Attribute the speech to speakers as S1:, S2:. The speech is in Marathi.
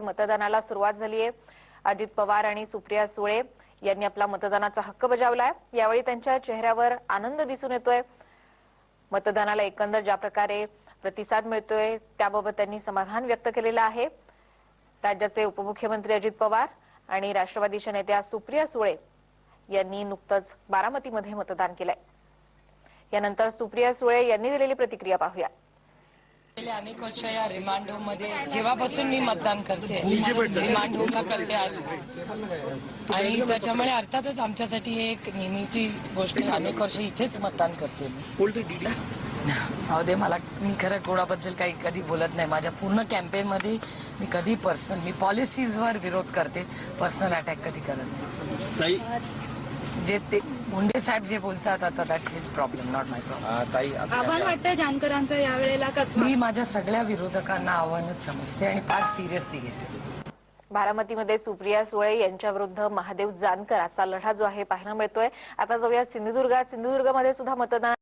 S1: मतदानाला सुरुवात झाली आहे। अजित पवार आणि सुप्रिया सुळे यांनी आपला मतदानाचा हक्क बजावलाय। यावेळी त्यांच्या चेहऱ्यावर आनंद दिसून येतोय। मतदानाला एकंदर ज्या प्रकारे प्रतिसाद मिळतोय त्याबाबत त्यांनी समाधान व्यक्त केलेलं आहे। राज्याचे उपमुख्यमंत्री अजित पवार आणि राष्ट्रवादीच्या नेत्या सुप्रिया सुळे यांनी नुकतंच बारामतीमध्ये मतदान केलंय। यानंतर सुप्रिया सुळे यांनी दिलेली प्रतिक्रिया पाहूया।
S2: गेले अनेक वर्ष या रिमांड होममध्ये जेव्हापासून मी मतदान करते रिमांड होमला करते आणि त्याच्यामुळे अर्थातच आमच्यासाठी एक नेहमीची गोष्ट अनेक वर्ष इथेच मतदान करते मी। मला मी खरं कोणाबद्दल काही कधी बोलत नाही। माझ्या पूर्ण कॅम्पेन मध्ये मी कधी मी पॉलिसीजवर विरोध करते, पर्सनल अटॅक कधी करत नाही। जे ते मुंडे साहेब जे बोलतात आता that's his problem, not my problem.
S3: आव्हान वाटतं जानकरांचं यावेळेला?
S2: मी माझ्या सगळ्या विरोधकांना आव्हानच समजते आणि फार सिरियसली घेते।
S1: बारामतीमध्ये सुप्रिया सुळे यांच्या विरुद्ध महादेव जानकर असा लढा जो आहे पाहायला मिळतोय। आता जाऊया सिंधुदुर्गामध्ये सुद्धा मतदान